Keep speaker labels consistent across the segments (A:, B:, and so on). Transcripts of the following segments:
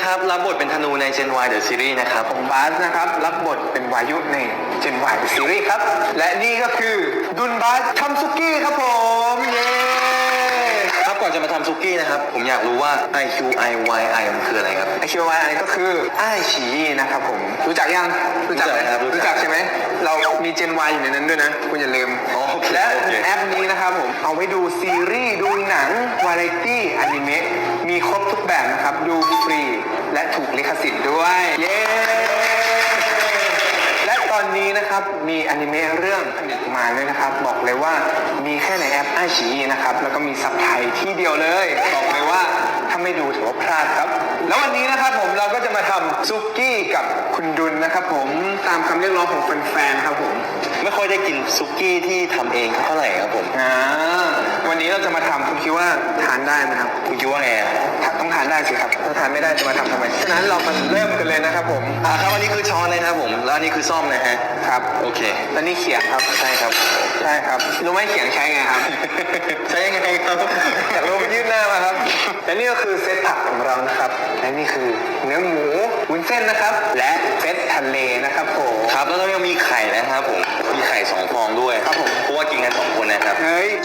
A: นะครับรับบทเป็นธนูใน Gen Y The Series นะครับ
B: ผมบาสนะครับรับบทเป็นวายุใน Gen Y The Series ครับและนี่ก็คือดุนบาสทำซุกี้ครับผมเย้
A: ครับก่อนจะมาทำซุกี้นะครับผมอยากรู้ว่า IQIYI มันคืออะไรครับ
B: IQIYI ก็คืออ้ายฉีนะครับผมรู้จักยังรู้จัก
A: ครับ
B: รู้จักใช่ไหมเรามี Gen Y อยู่ในนั้นด้วยนะคุณอย่าลืมและแอปนี้นะครับผมเอาไว้ดูซีรีส์ดูหนังวาไรตี้อนิเมะมีครบทุกแบบนะครับดูฟรีและถูกลิขสิทธิ์ด้วยเย้และตอนนี้นะครับมีอนิเมะเรื่องผลิตมาด้วยนะครับบอกเลยว่ามีแค่ในแอปไอชีนะครับแล้วก็มีซับไทยที่เดียวเลยบอกเลยว่าถ้าไม่ดูถือว่าพลาดครับแล้ววันนี้นะครับผมเราก็จะมาทำซุกี้กับคุณดุลนะครับผมตามคำเรียกร้องของแฟนๆครับผม
A: ไม่ค่อยได้กินซุกี้ที่ทำเองเท่าไหร่ครับผม
B: วันนี้เราจะมาทำคุณคิดว่าทานได้ไหมครับ
A: คุณคิดว่าไง
B: ต้องทานได้สิครับถ้าทานไม่ได้จะมาทำทำไมฉะนั้นเรามาเริ่มกันเลยนะครับผม
A: ครับอันนี้คือช้อนนะครับผมแล้วอันนี้คือซ่อมนะฮะ
B: ครับ
A: โอเค
B: แล้วนี่เขียงครับ
A: ใช่ครับ
B: ใช่ครับรู้ไหมเขียงใช้ไงครับ
A: ใช้ยังไงครับ
B: อยากรู้ยื่นหน้ามาครับและนี่ก็คือเซตผักของเรานะครับและนี่คือเนื้อหมูวุ้นเส้นนะครับและเซตทะเลนะครับผม
A: ครับแล้วเรายังมีไข่นะครับผมมีไข่2 ฟองด้วย
B: ครับผม
A: เพราะว่ากินกัน2 คนนะครับ
B: เฮ้ย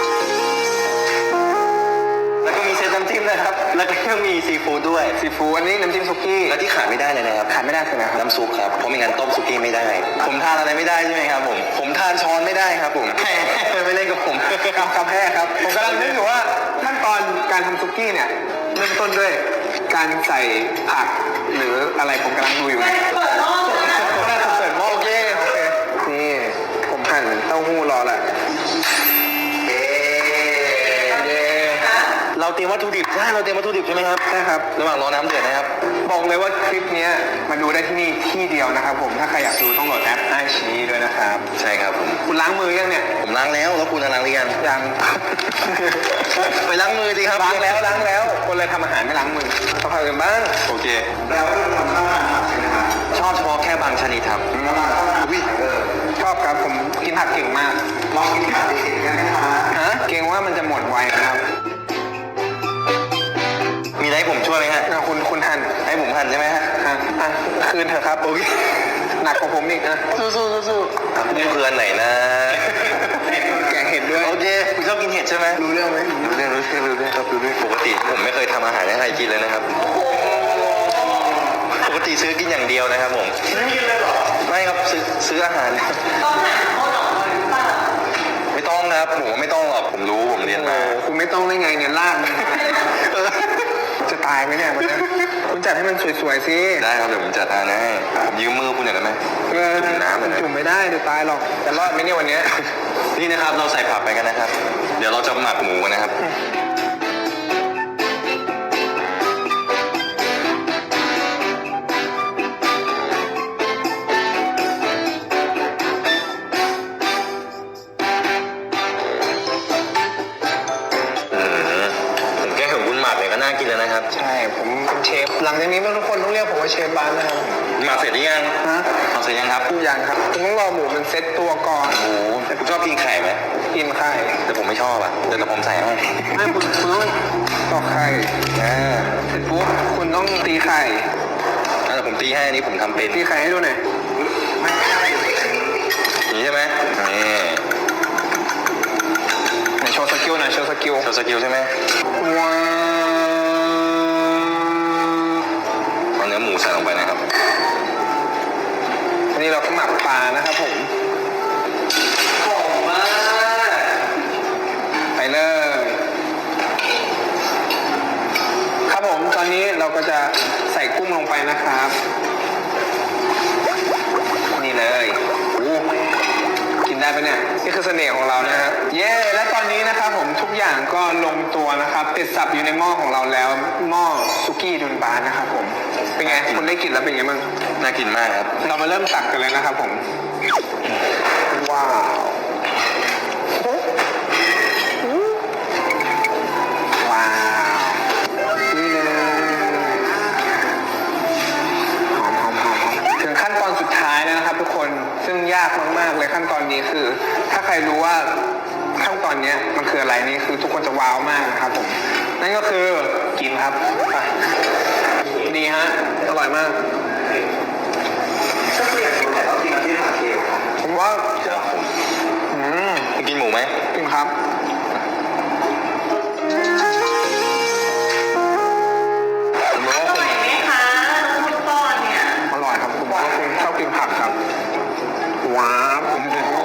A: แล้วก็มีเซตน้ำจิ้มนะครับแล้วก็ยังมีซีฟู้ดด้วย
B: ซีฟู้ดอันนี้น้ำจิ้มซุกี้
A: แล้วที่ขาดไม่ได้เลยนะครับ
B: ขาดไม่ได้คืออะไรครับ
A: น้ำซุปครับเพราะไม่งั้นต้มซุกี้ไม่ได้ผมทานอะไรไม่ได้ใช่ไหมครับผมทานช้อนไม่ได้ครับผมไม่เล่นกับผม
B: กาแฟครับผมกำลังนึกอยู่ว่าขั้นตอนการทำซุกี้เนี่ยเริ่มต้นด้วยการใส่ผักหรืออะไรผมกำลังดูอยู่เปิดหม้อเปิดหม้อโอเคนี่ผมหั่นเต้าหู้รอแหละ
A: เราเตรียมวัตถุดิบใช่เราเตรียมวัตถุดิบใช่ไหมครับ
B: ใช่ครับ
A: ระหว่างรอน้ำเดือดนะครับ
B: บอกเลยว่าคลิปนี้มาดูได้ที่นี่ที่เดียวนะครับผมถ้าใครอยากดูต้องโหลดแอปไอชีด้วยนะครับ
A: ใช่ครับผม
B: คุณล้างมือยังเนี่ย
A: ผมล้างแล้วแล้วคุณล้างหรือยัง
B: ยัง
A: ไปล้างมือดีครับ
B: ล้างแล้วคนเลยทำอาหารไม่ล้างมือต้องทำกันบ้าง
A: โอเค
B: แล้วทำข้าวอาหารใช่ไหมครับ
A: ชอบเฉพาะแค่บางชนิดครับ
B: ชอบครับผมกินผักเก่งมากลองกินผักเก่งกันนะครับเก่งว่ามันจะหมดไวนะครับ
A: มีอะไรให้ผมช่วยไหมฮะ
B: คุณหั่น
A: ให้ผมหั่นใช่ไหมฮะ
B: คืนเถอะครับโอเคหนักกว่าผมอีกนะสู้
A: นี่เพื่อนไหนนะ
B: แกงเห็ดด้วย
A: โอเคคุณชอบกินเห็ดใช่ไหม
B: รู้เรื่องไหม
A: รู้เรื่องครับรู้เรื่องปกติผมไม่เคยทำอาหารให้ใครกินเลยนะครับปกติซื้อกินอย่างเดียวนะครับผม
B: ไม่กินเลยหรอ
A: ไม่ครับซื้ออาหารต้องหาโค้ดหรอไม่ต้องนะครับผมไม่ต้องหรอกผมรู้ผมเรียนมา
B: คุณไม่ต้องได้ไงเนี่ยลากจะตายไหมเนี่ยมันคุณจัดให้มันสวยๆสิ
A: ได้ครับเดี๋ยวผมจัดให้ผมยืมมือคุณหน่อยได้ไหม
B: จุ่มน้ำเลยจุ่มไม่ได้เดี๋ยวตายหรอกจะรอดไหมเนี่ยวันนี้
A: นี่นะครับเราใส่ผักไปกันนะครับเดี๋ยวเราจะหมักหมูกันนะครับน่ากินเลยนะครับ
B: ใช่ผมเป็นเชฟหลังจากนี้ทุกคนต้องเรียกผมว่าเชฟบ้านนะครับ
A: หมักเสร็จหรือยังหมักเสร็จยังครับ
B: ยังครับคุณต้องรอหมูมันเซ็ตตัวก่อน
A: หมูแต่คุณชอบกินไข่ไหม
B: กินไข่
A: แต่ผมไม่ชอบอ่ะแต่ผมใส่ให้
B: ไม่คุณต้องตอกไข่เสร็จปุ๊บคุณต้องตีไข่
A: แต่ผมตีให้อันนี้ผมทำเป็น
B: ตีไข่ให้ดูหน่อย
A: นี่ใช่ไหม
B: นี่โชว์สกิลหน่อยโชว์สกิล
A: ใช่ไหม
B: ว้าว
A: เอาเนื้อหมูใส่ลงไปนะครับ
B: อันนี้เราก็หมักปลานะครับผม
A: หอมมาก
B: ไปเลยครับผมตอนนี้เราก็จะใส่กุ้งลงไปนะครับนี่เลยกินได้ปะเนี่ยนี่คือเสน่ห์ของเรานะฮะเย้และตอนนี้นะครับผมทุกอย่างก็ลงตัวนะครับติดสับอยู่ในหม้อของเราแล้วหม้อซุกี้ดุนบานนะครับผมเป็นไงคุณได้กลิ่นแล้วเป็นไงบ้าง
A: น่ากินมากครับ
B: เรามาเริ่มตักกันเลยนะครับผมว้าวนี่เลยหอมถึงขั้นตอนสุดท้ายแล้วนะครับทุกคนซึ่งยากมากๆเลยขั้นตอนนี้คือถ้าใครรู้ว่าขั้นตอนนี้มันคืออะไรนี่คือทุกคนจะว้าวมากนะครับผมนั่นก็คือกินครับนี่ฮะร่อยมาก
A: ถ้าคุณอยากกินไข่ต้องกินที่ขาเคียว
B: ผมว่า
A: เดี๋ยวผม
B: อืม
A: คุณกินหมูไหม
B: จริงครับ
A: ผมรู้ว่าคุณ
C: ไหมคะน้องพุทธก้อนเนี่ย
B: อร่อยครับผมว่าคุณชอบกินผักครับว้าวผม